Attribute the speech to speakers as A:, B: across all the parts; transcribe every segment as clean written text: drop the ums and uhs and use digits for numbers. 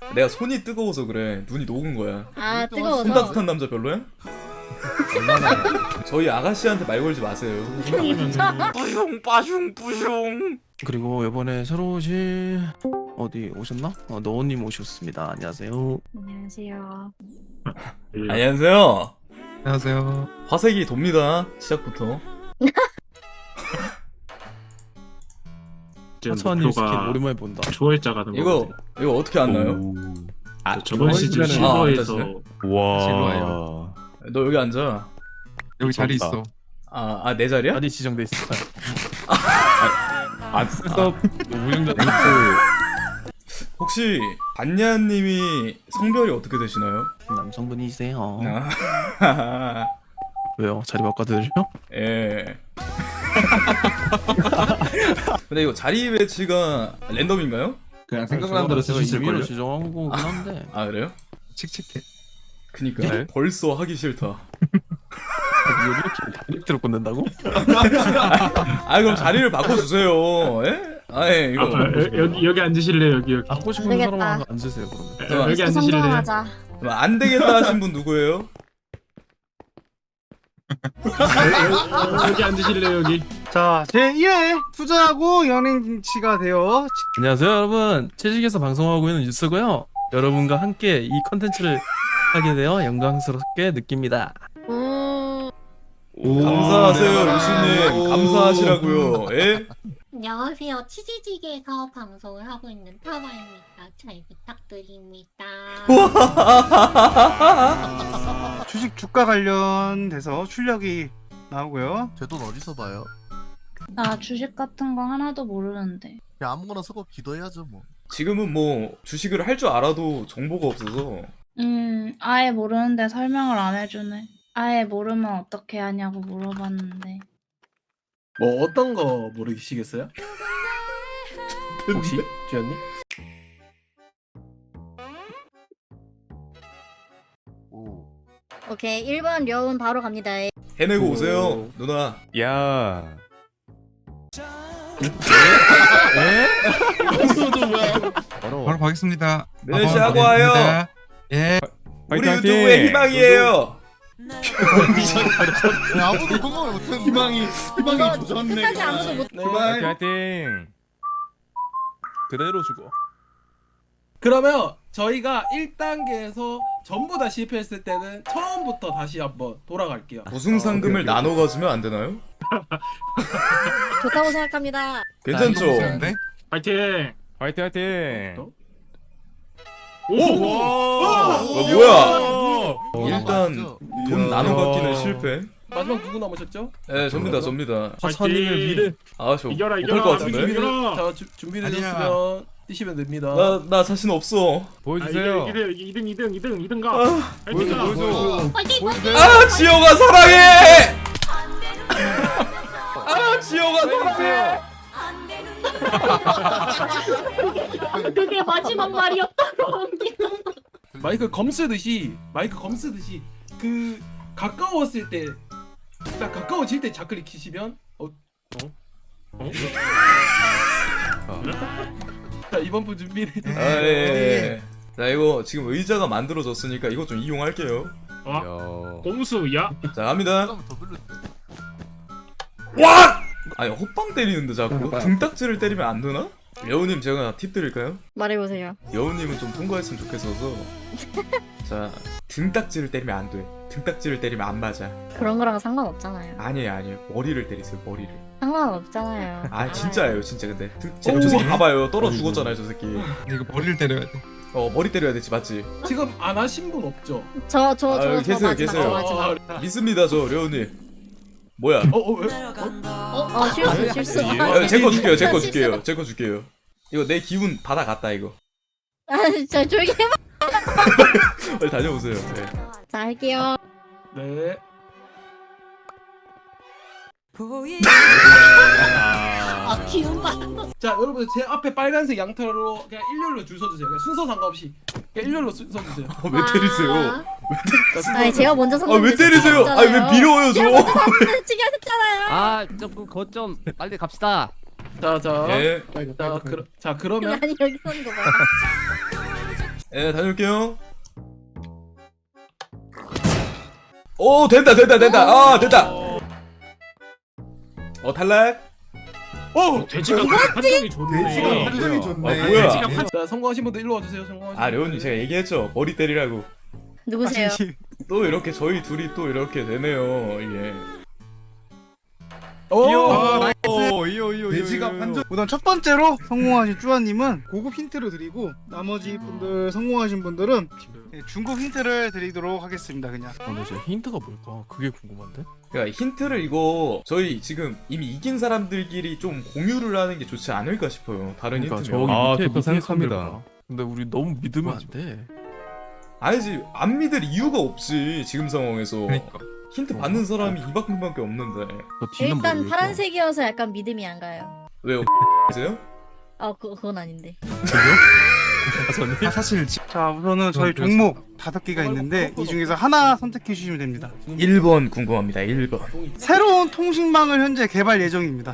A: 내가 손이 뜨거워서 그래. 눈이 녹은 거야.
B: 아
A: 손
B: 뜨거워서.
A: 따뜻한 남자 별로야? 저희 아가씨한테 말 걸지 마세요.
C: 뿌숑 빠숑 뿌숑.
D: 그리고 이번에 새로 오신 어디 오셨나? 너님 오셨습니다. 안녕하세요.
B: 안녕하세요.
A: 안녕하세요.
D: 안녕하세요.
A: 화색이 돕니다. 시작부터.
D: 하차님 스킨 오랜만에 본다.
C: 초월자 가는 거.
A: 이거 어떻게 안 나요?
C: 아, 저번 시즌
D: 이번에는-
C: 실버에서
D: 와.
A: 너 여기 앉아.
E: 여기 자리 있어.
A: 내 자리야?
D: 자리 지정돼 있어.
E: 그래서
D: 무용자
A: 혹시 반야님이 성별이 어떻게 되시나요?
D: 남성분이세요.
A: 아,
D: 왜요? 자리 바꿔드려?
A: 예. 근데 이거 자리 배치가 랜덤인가요?
E: 그냥 생각나는 대로 쓰실
D: 임의로
E: 걸요.
D: 지정한 거긴 한데.
A: 아 그래요?
E: 칙칙해.
A: 그니까
D: 네.
A: 벌써 하기 싫다.
D: 이렇게 다이렉트로 꽂는다고?
A: 아 그럼 자리를 바꿔주세요. 예? 아예 이거
C: 여기 앉으실래 여기.
D: 갖고 싶은
B: 되겠다.
D: 사람만 앉으세요 그러면.
C: 여기 앉으실래.
B: 성공하자.
A: 안 되겠다 하신 분 누구예요?
C: 여기 앉으실래 여기.
F: 자, 제1회 투자하고 연예인치가 되어
D: 안녕하세요 여러분. 채식에서 방송하고 있는 뉴스고요. 여러분과 함께 이 컨텐츠를 하게 되어 영광스럽게 느낍니다.
A: 감사하세요 루시님. 감사하시라고요. 예?
B: 안녕하세요. 치즈직에서 방송을 하고 있는 타마입니다. 잘 부탁드립니다.
F: 주식 주가 관련돼서 출력이 나오고요.
G: 제 돈 어디서 봐요?
H: 나 주식 같은 거 하나도 모르는데.
G: 그냥 아무거나 쓰고 기도해야죠 뭐.
A: 지금은 뭐 주식을 할 줄 알아도 정보가 없어서
H: 아예 모르는데 설명을 안 해주네. 아예 모르면 어떻게 하냐고 물어봤는데.
I: 뭐 어떤 거 모르시겠어요? 혹시 주연님?
G: 오.
B: 오케이 1번 려운 바로 갑니다.
A: 해내고 오세요 누나.
E: 야. 바로 가겠습니다.
A: 네, 시작하고 와요.
E: 예.
A: 우리
E: 화이팅,
A: 유튜브의
E: 화이팅!
A: 희망이에요.
G: 아무도 성공을 못했는데.
B: 희망이 조졌네. 끝까지 아무도 못.
E: 화이팅 화이팅.
D: 그대로 죽어.
I: 그러면 저희가 1단계에서 전부 다 실패했을 때는 처음부터 다시 한번 돌아갈게요.
A: 우승 상금을 나눠 가지면 안 되나요?
B: 좋다고 생각합니다.
A: 괜찮죠?
E: 네.
C: 파이팅.
E: 화이팅 화이팅.
A: 뭐야? 일단 돈 나눠 갖기는 실패.
I: 마지막 누구 남으셨죠?
A: 네, 접니다.
D: 하차님을 미래.
A: 아, 저
C: 이겨라,
A: 못할 것
C: 이겨라.
A: 같은데.
C: 이겨라.
I: 자, 준비되셨으면 뛰시면 됩니다.
A: 나 자신 없어.
E: 보여주세요.
C: 2등 가.
E: 보여줘 보여줘. 보여주세요.
A: 아, 지호가 사랑해. 아, 지호가 사랑해.
B: 그게 마지막 말이었다고.
I: 마이크 검 쓰듯이 그 가까웠을 때 딱 가까워질 때 좌클릭 키시면 자, 이번 분 준비를
A: 아, 예. 자, 이거 지금 의자가 만들어졌으니까 이거 좀 이용할게요.
E: 야.
C: 공수야.
A: 자, 갑니다.
G: 더 불렀대.
A: 와! 아니, 호빵 때리는데 자꾸 등딱지를 때리면 안 되나? 여우님 제가 팁 드릴까요?
B: 말해보세요.
A: 여우님은 좀 통과했으면 좋겠어서. 자, 등딱지를 때리면 안 돼. 등딱지를 때리면 안 맞아.
B: 그런 거랑 상관없잖아요.
A: 아니에요. 머리를 때리세요. 머리를.
B: 상관없잖아요.
A: 아, 진짜예요. 진짜 근데. 저 새끼 봐봐요. 떨어 죽었잖아요. 저 새끼.
E: 이거 머리를 때려야 돼.
A: 머리 때려야 되지, 맞지?
I: 지금 안 하신 분 없죠?
B: 저
A: 계세요,
B: 마지막,
A: 계세요.
B: 저 마지막.
A: 믿습니다, 저 려우님. 뭐야?
I: 왜?
B: 실수.
A: 제 거 줄게요. 이거 내 기운 받아갔다 이거.
B: 저 조용히 해봐.
A: 빨리 다녀오세요. 네.
B: 자 할게요.
I: 네.
B: 기운 받.
I: 자, 여러분 제 앞에 빨간색 양털로 그냥 일렬로 줄 서주세요. 그냥 순서 상관없이 그냥 일렬로 서주세요.
A: 왜 때리세요?
B: 아니 제가 먼저
A: 아 왜 때리세요? 아 왜 밀어요 저?
B: 치기 하셨잖아요.
J: 아, 조금 거좀 빨리 갑시다.
I: 자,
A: 예.
I: 그러면
B: 아니 여기 서는 거 봐.
A: 예, 다녀올게요. 오, 된다. 아, 된다. 탈락.
C: 돼지가 판정이 좋네.
G: 판정이 좋네.
A: 뭐야?
C: 돼지가 판.
I: 자 성공하신 분들 일로 와주세요. 성공하신.
A: 아, 레온님 제가 얘기했죠. 머리 때리라고.
B: 누구세요?
A: 또 이렇게 저희 둘이 또 이렇게 되네요. 이게.
I: 오.
E: 이요.
G: 돼지가 판정.
F: 우선 첫 번째로 성공하신 쭈아님은 고급 힌트를 드리고 나머지 분들 성공하신 분들은 중급 힌트를 드리도록 하겠습니다. 그냥.
D: 근데 제 힌트가 뭘까? 그게 궁금한데.
A: 그러니까 힌트를 이거 저희 지금 이미 이긴 사람들끼리 좀 공유를 하는 게 좋지 않을까 싶어요. 다른
D: 그러니까
A: 힌트면.
D: 저기
E: 아,
D: 밑에
E: 저도
D: 밑에
E: 생각합니다.
D: 선들봐. 근데 우리 너무 믿으면 안 돼.
A: 아니지, 안 믿을 이유가 없지 지금 상황에서.
E: 그러니까.
A: 힌트 받는 사람이 이만큼밖에 없는데.
D: 저 뒤는
B: 일단
D: 모르겠다.
B: 파란색이어서 약간 믿음이 안 가요.
A: 왜요? 세요?
B: 그건 아닌데.
E: 사실
F: 자 우선은 저희 종목 5개가 있는데 이 중에서 하나 선택해 주시면 됩니다.
A: 1번 궁금합니다. 1번.
F: 새로운 통신망을 현재 개발 예정입니다.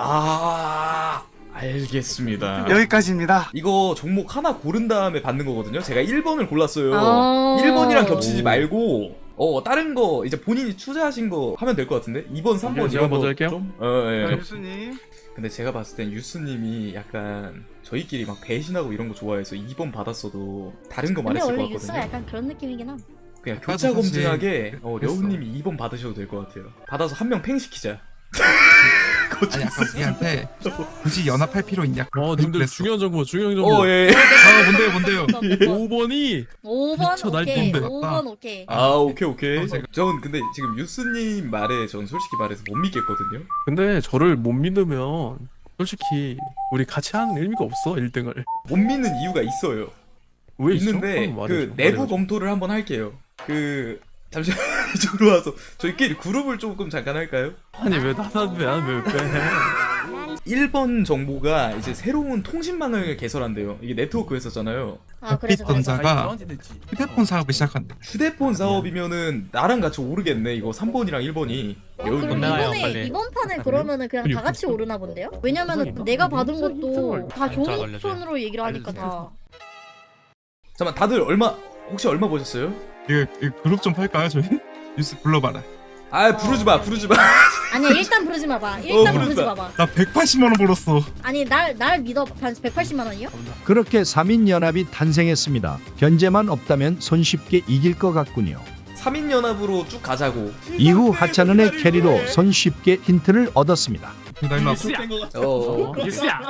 A: 알겠습니다.
F: 여기까지입니다.
A: 이거 종목 하나 고른 다음에 받는 거거든요. 제가 1번을 골랐어요.
B: 아.
A: 1번이랑 겹치지 말고 다른 거 이제 본인이 투자하신 거 하면 될 것 같은데. 2번, 3번
D: 제가 먼저 할게요.
A: 좀?
F: 자,
A: 예.
F: 유수님.
A: 근데 제가 봤을 땐 유스님이 약간 저희끼리 막 배신하고 이런 거 좋아해서 2번 받았어도 다른 거
B: 근데
A: 말했을 것
B: 원래 유스가
A: 같거든요.
B: 약간 그런 느낌이긴 함.
A: 그냥
E: 아까도
A: 교차
E: 사실
A: 검증하게 려우님이 2번 받으셔도 될 것 같아요. 받아서 한 명 팽시키자.
E: 아니 아까 우리한테 굳이 연합할 필요 있냐?
D: 님들
E: 그랬어.
D: 중요한 정보.
A: 예.
E: 아 뭔데요?
D: 5번이
B: 5번
D: 미쳐
B: 오케이.
D: 날뛰는데.
B: 5번 오케이.
A: 오케이.
E: 제가-
A: 전 근데 지금 유스님 말에 전 솔직히 말해서 못 믿겠거든요.
D: 근데 저를 못 믿으면 솔직히 우리 같이 하는 의미가 없어 1등을.
A: 못 믿는 이유가 있어요.
D: 왜 있어?
A: 있는데
D: 한번
A: 그
D: 말해줘,
A: 내부
D: 말해줘.
A: 검토를 한번 할게요. 잠시만 이쪽으로 와서 저희끼리 그룹을 조금 잠깐 할까요?
D: 아니 왜 나는 왜 빼?
A: 1번 정보가 이제 새로운 통신망을 개설한대요. 이게 네트워크 회사잖아요.
B: 그래서
E: 전자가
I: 저한테 됐지.
E: 휴대폰 사업을 시작한대.
A: 휴대폰 사업이면은 나랑 같이 오르겠네. 이거 3번이랑 1번이.
B: 그럼
J: 나가요,
B: 이번에
J: 빨리.
B: 이번 판에 그러면은 그냥 다 같이 오르나 본데요? 왜냐면은 내가 받은 것도 다 종이편으로 얘기를 하니까 다.
A: 잠깐만 다들 혹시 얼마 보셨어요?
E: 이거 그룹 좀 팔까요 저희? 뉴스 불러봐라.
A: 부르지 마.
B: 아니야 일단 부르지 마봐. 일단
A: 부르지
B: 부르지
A: 마.
B: 마봐.
E: 나 180만 원 벌었어.
B: 아니 날 믿어. 180만 원이요?
K: 그렇게 3인연합이 탄생했습니다. 견제만 없다면 손쉽게 이길 것 같군요.
A: 3인 연합으로 쭉 가자고.
K: 이후 하찮은의 캐리로 손쉽게 힌트를 얻었습니다.
E: 나 일로
C: 유스야. 유스야.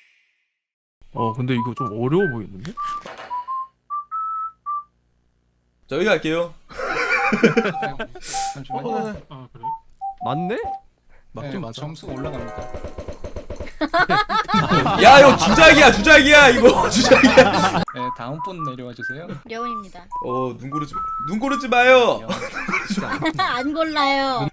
D: 근데 이거 좀 어려워 보이는데?
A: 저희가 할게요.
I: 잠시만요.
C: 아 그래?
J: 맞네?
D: 맞긴 맞아.
I: 점수가 올라갑니다.
A: 야 이거 주작이야 이거 주작이야.
I: 네, 다음 분 내려와 주세요.
B: 려운입니다.
A: 눈 고르지 마요.
B: 안 골라요.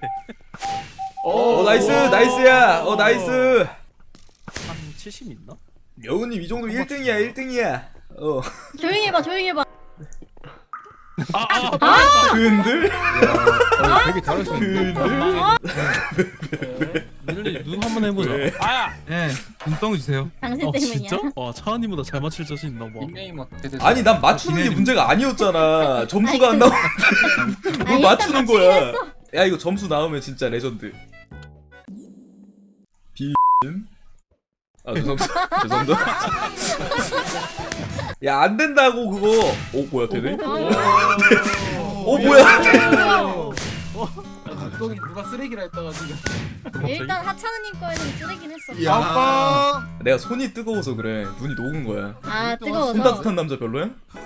A: 나이스야. 나이스.
D: 한 70 있나?
A: 여우님 이 정도면 1등이야.
B: 조용히 해봐. 조용히 해봐.
A: 근들?
G: 되게 잘하시네.
D: 민현이 눈 한번 해보자.
A: 왜?
E: 네, 눈덩이 주세요.
B: 당신 때문이야.
D: 진짜? 와 차은이보다 잘 맞힐 자신 있나 봐.
I: 닉네임 어떻게 되세요?
A: 아니 난 맞추는 게 문제가 아니었잖아. 점수가 안 나오는데 뭘
B: 아니,
A: 맞추는
B: 일단
A: 거야. 야 이거 점수 나오면 진짜 레전드. 죄송합니다. 야 안 된다고 그거. 뭐야 되네? 뭐야?
I: 눈덩이 누가 쓰레기라 했다가 지금.
B: 일단 하찮은님 거에는 쓰레긴 했어.
G: 야.
A: 내가 손이 뜨거워서 그래. 눈이 녹은 거야. 손
B: 뜨거워서.
A: 따뜻한 남자 별로야?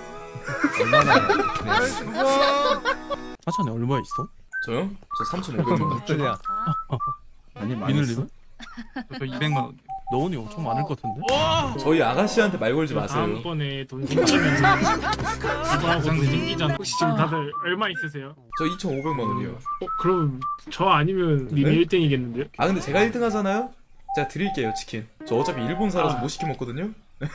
D: 하찬이 얼마 있어?
A: 저요? 저 3,500원.
J: 야
E: 아니
D: 민을님은?
E: 저 200만 원.
D: 너은이 엄청 많을 것 같은데?
A: 저희 아가씨한테 말 걸지 마세요.
C: 다음번에 돈 생기면 이거하고 돈 생기잖아. 혹시 지금 다들 얼마 있으세요?
A: 저 2,500만 원이요.
C: 그럼 저 아니면 님이
A: 네?
C: 1등이겠는데요?
A: 근데 제가 1등 하잖아요? 제가 드릴게요 치킨. 저 어차피 일본 살아서 못 시켜 먹거든요.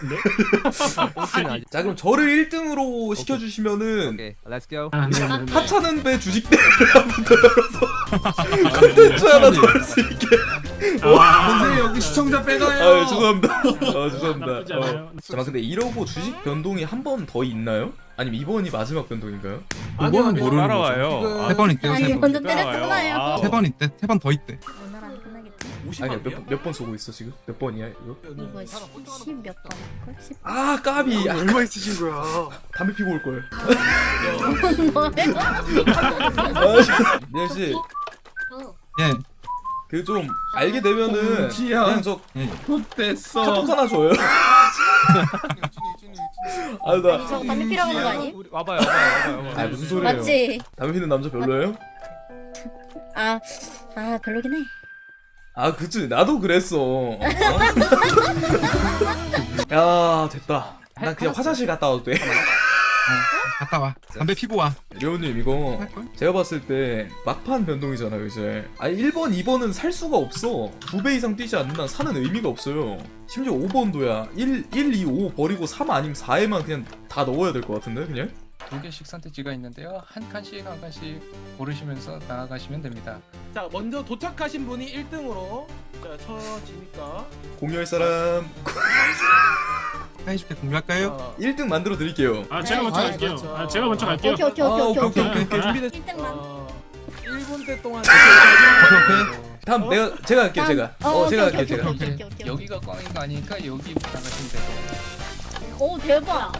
A: 자 그럼 저를 1등으로 시켜주시면은
J: 오케이 렛츠 고.
A: 하찮은 배 주식대를 한번 더 열어서 콘텐츠 하나 더 할 수 있게
I: 선생님 여기 시청자 빼가요.
A: 아 죄송합니다. 죄송합니다.
C: 나쁘지 않아요.
A: 잠깐 근데 이러고 주식 변동이 한 번 더 있나요? 아니면 이번이 마지막 변동인가요?
D: 그거는 모르는 거죠.
G: 따라와요.
E: 세 번 있대요.
B: 아니
E: 세 번.
B: 먼저 때렸잖아요.
G: 아.
E: 세 번 있대. 세 번 더 있대.
B: 오늘 안 끝나겠지?
I: 50만
A: 아니
I: 개요?
A: 몇 번 쏘고 있어 지금? 몇 번이야 이거?
B: 이거 10몇 번? 10?
A: 아 까비. 아,
F: 얼마 있으신 거야?
A: 담배 피고 올 걸.
B: 뭐예요?
A: 미안 씨,
E: 예.
A: 그 좀 알게 되면은
I: 지야.
A: 그냥 저
I: 됐어.
A: 카톡 하나 줘요. 아 나.
B: 아니 저거 담배 피라고 하는 거 아니?
G: 우리 와봐요, 와봐요.
A: 아 무슨 소리예요?
B: 맞지?
A: 담배 피는 남자 별로예요?
B: 아 별로긴 해.
A: 아 그치 나도 그랬어. 야 됐다. 난 그냥 화장실 갔다 와도 돼.
E: 갔다 와. 담배 피고 와.
A: 려우님 이거 제가 봤을 때 막판 변동이잖아요 이제. 아니 1번 2번은 살 수가 없어. 2배 이상 뛰지 않는 한 사는 의미가 없어요. 심지어 5번도야 1, 2, 5 버리고 3 아니면 4에만 그냥 다 넣어야 될 것 같은데 그냥?
L: 2개씩 선택지가 있는데요. 한 칸씩 고르시면서 나아가시면 됩니다.
I: 자 먼저 도착하신 분이 1등으로 쳐지니까.
A: 공유할 사람
E: 해줄게. 공유할까요?
A: 1등 만들어 드릴게요.
C: 아 제가 먼저
B: 아,
C: 갈게요.
I: 그렇죠.
C: 아 제가 먼저 갈게요.
B: 오케이.
A: 준비됐.
B: 1등만.
I: 1분 때 동안
E: 오케이.
A: 다음 제가 할게요 제가. 제가 할게요 제가.
B: 오케이.
L: 여기가 꽝인 거 아니니까 여기부터 나가시면 돼요.
B: 오 대박.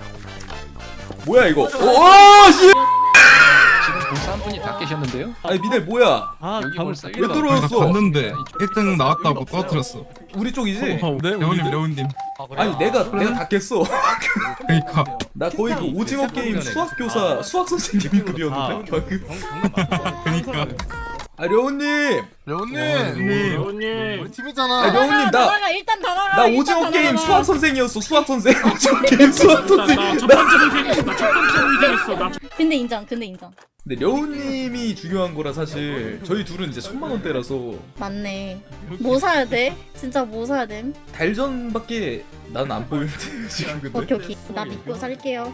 A: 뭐야 이거? 오 씨!
L: 지금 벌써 한 분이 다 깨셨는데요?
A: 아니 미넬 뭐야?
L: 여기 벌써
A: 왜
L: 1번.
A: 떨어졌어?
E: 나 봤는데 1등 나왔다고 떠들었어.
A: 우리 쪽이지?
D: 네,
E: 레오님, 레오님.
A: 아니 내가 다 깼어.
E: 그러니까.
A: 나 거의 그 오징어 게임 수학 교사 수학 선생님급이었는데 결국.
E: 그러니까.
A: 아 려우님.
C: 여우님.
G: 우리 팀이잖아.
A: 아 려우님
B: 나가 일단 다 나가.
A: 나 오징어 게임 수학 선생이었어 수학 선생. 오징어 게임 수학 선생.
C: 나첫 번째 의견했어. 나첫 번째 의견했어. 나
B: 근데 인정.
A: 근데 려우님이 중요한 거라 사실 저희 둘은 이제 1000만원대라서
B: 맞네. 뭐 사야 돼? 진짜 뭐 사야 돼?
A: 달전밖에 난 안 보이는데 지금 근데.
B: 오케이. 나 믿고 살게요.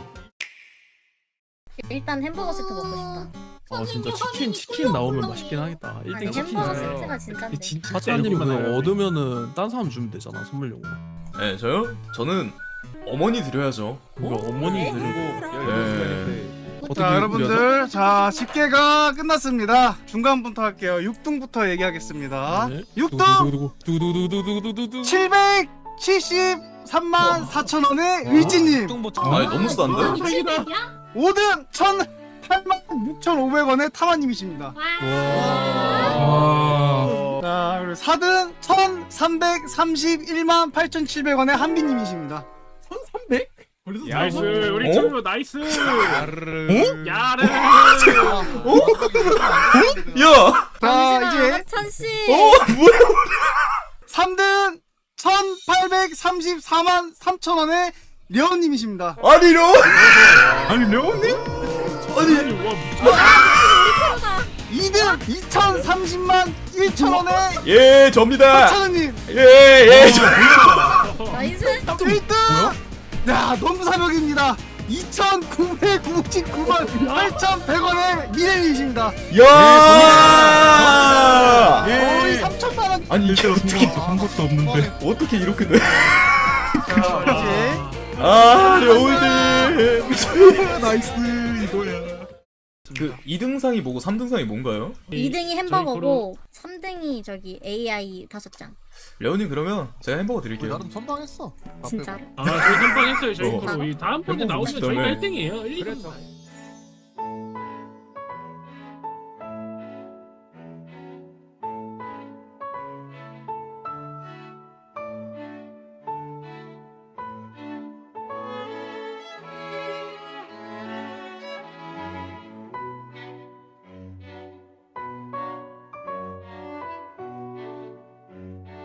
B: 일단 햄버거 세트 먹고 싶다.
D: 진짜 치킨 나오면 맛있긴 하겠다.
B: 아니
D: 1등 치킨.
B: 햄버거 세트가 진짜인데.
D: 사장님 그거 얻으면은 딴 사람 주면 되잖아 선물용으로.
A: 네 저요? 저는 어머니 드려야죠.
D: 이거 어머니 드리고.
A: 네.
F: 자 여러분들 자 10개가 끝났습니다. 중간부터 할게요. 6등부터 얘기하겠습니다. 6등
D: 두두두두두두두두.
F: 773만 4천원의 의지님.
A: 아니 너무 싼데?
F: 5등 1008만 6,500원의 타마님이십니다. 자 그리고 4등 1331만 8,700원의 한비님이십니다.
I: 1300?
C: 나이스. 우리 친구 나이스. 야르.
A: 야!
F: 자 이제
B: 찬씨.
A: 뭐야?
F: 3등 1834만 3천원의 려운님이십니다.
A: 아니 려?
E: 아니, 레오님?
A: 아니
C: 와
F: 2등 2030만 1천원의
A: 예 접니다.
F: 박찬우님.
A: 예.
B: 나이스.
F: 1등 야 너무 사벽입니다. 2,999만 8,100원의 미래님이십니다.
A: 야!
F: 거의 3천만원.
A: 아니 이게 어떻게
E: 한 것도 없는데.
A: 어떻게 이렇게 돼?
F: 이제
A: 아 려울님.
E: 나이스, 이거야.
A: 그 2등상이 뭐고 3등상이 뭔가요?
B: 2등이 햄버거고 3등이 저기 AI 5장.
A: 려우님 그러면 제가 햄버거
G: 우리
A: 드릴게요.
G: 나름 선방했어.
B: 진짜로.
C: 저희 선빵했어요 저희
A: 어.
C: 거로. 이 다음번에
A: 햄버거
C: 나오면 저희가
A: 맛있다며.
C: 1등이에요. 1등.